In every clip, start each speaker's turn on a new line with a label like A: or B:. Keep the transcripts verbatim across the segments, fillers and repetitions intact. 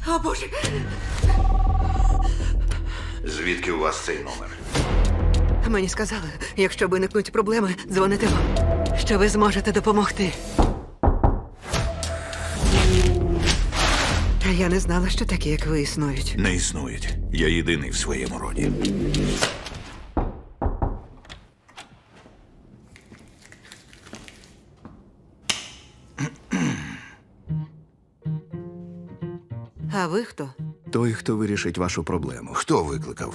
A: О, Боже!
B: Звідки у вас цей номер?
A: Мені сказали, якщо виникнуть проблеми, дзвоните вам, що ви зможете допомогти. А я не знала, що такі, як ви, існують.
B: Не існують. Я єдиний в своєму роді.
A: А ви хто?
C: Той, хто вирішить вашу проблему.
B: Хто викликав?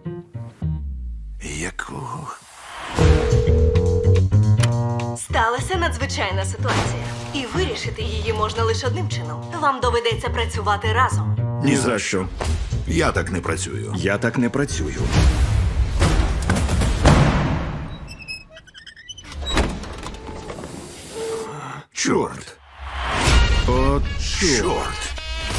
B: Якого?
D: Сталася надзвичайна ситуація. І вирішити її можна лише одним чином. Вам доведеться працювати разом.
C: Ні за що.
B: Я так не працюю.
C: Я так не працюю.
B: Чорт!
C: От
B: Чорт!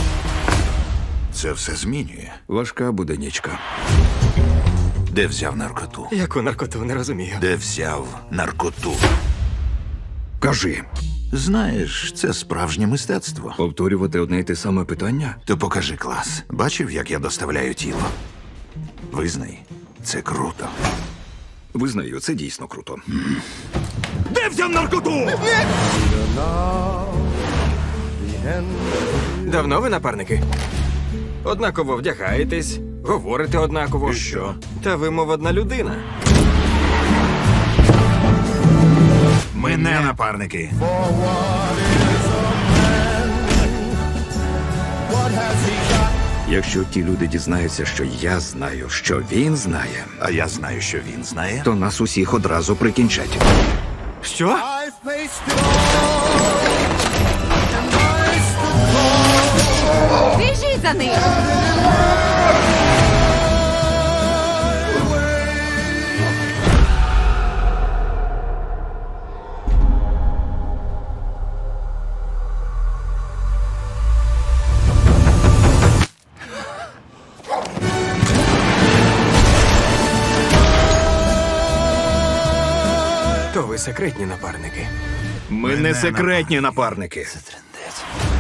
B: Це все змінює.
C: важка буде нічка.
B: Де взяв наркоту?
E: Яку наркоту, не розумію.
B: Де взяв наркоту?
C: Кажи,
B: Знаєш, це справжнє мистецтво.
C: повторювати одне й те саме питання?
B: То покажи клас. Бачив, як я доставляю тіло? Визнай, це круто.
C: Визнаю, це дійсно круто. Де взяв наркоту?
E: Давно ви напарники? Однаково вдягаєтесь, говорите однаково.
B: І що?
E: Та ви, мов одна людина.
B: Ми не напарники.
C: Якщо ті люди дізнаються, що я знаю, що він знає,
B: А я знаю, що він знає.
C: то нас усіх одразу прикінчать.
E: Що?
A: Біжіть за ним!
E: То ви секретні напарники.
C: Ми не секретні напарники.
B: Це трендець.